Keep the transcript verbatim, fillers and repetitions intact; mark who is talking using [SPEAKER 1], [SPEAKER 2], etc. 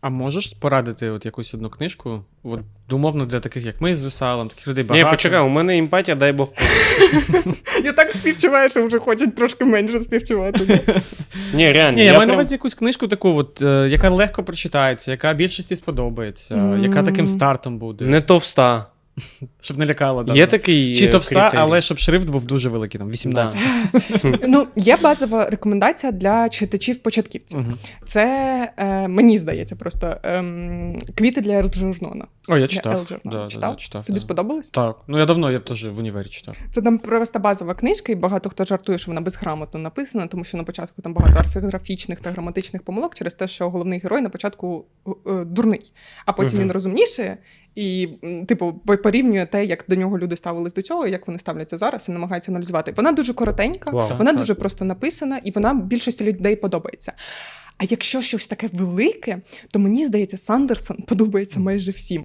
[SPEAKER 1] А можеш порадити от якусь одну книжку? От, умовно, для таких, як ми з Весалом, таких людей багато.
[SPEAKER 2] Ні, почекай, у мене емпатія, дай Бог.
[SPEAKER 3] Я так співчуваю, що вже хочуть трошки менше співчувати.
[SPEAKER 2] Ні, реально.
[SPEAKER 1] Ні, я, я маю
[SPEAKER 2] прям...
[SPEAKER 1] на увазі якусь книжку таку, от, е, яка легко прочитається, яка більшості сподобається, mm. яка таким стартом буде.
[SPEAKER 2] Не товста.
[SPEAKER 1] Щоб не лякало. Да,
[SPEAKER 2] Є
[SPEAKER 1] да.
[SPEAKER 2] такий
[SPEAKER 1] Чи товста,
[SPEAKER 2] критерій.
[SPEAKER 1] але щоб шрифт був дуже великий, там, вісімнадцять.
[SPEAKER 2] Да.
[SPEAKER 3] Ну, є базова рекомендація для читачів-початківців.
[SPEAKER 1] Угу.
[SPEAKER 3] Це, е, мені здається, просто ем, квіти для Елджернона.
[SPEAKER 1] О, я
[SPEAKER 3] Для
[SPEAKER 1] читав.
[SPEAKER 3] Елджернона.
[SPEAKER 1] Да,
[SPEAKER 3] читав?
[SPEAKER 1] Да, читав?
[SPEAKER 3] Тобі
[SPEAKER 1] да.
[SPEAKER 3] сподобалось?
[SPEAKER 1] Так. Ну, я давно, я теж в універі читав.
[SPEAKER 3] Це там просто базова книжка, і багато хто жартує, що вона безграмотно написана, тому що на початку там багато орфографічних та граматичних помилок через те, що головний герой на початку е, дурний, а потім
[SPEAKER 1] Угу.
[SPEAKER 3] він розумніше і, типу, порівнює те, як до нього люди ставились до цього, і як вони ставляться зараз, і намагаються аналізувати. Вона дуже коротенька,
[SPEAKER 2] Вау.
[SPEAKER 3] вона
[SPEAKER 1] Так,
[SPEAKER 3] дуже
[SPEAKER 1] так.
[SPEAKER 3] просто написана, і вона більшості людей подобається. А якщо щось таке велике, то мені здається, Сандерсон подобається майже всім.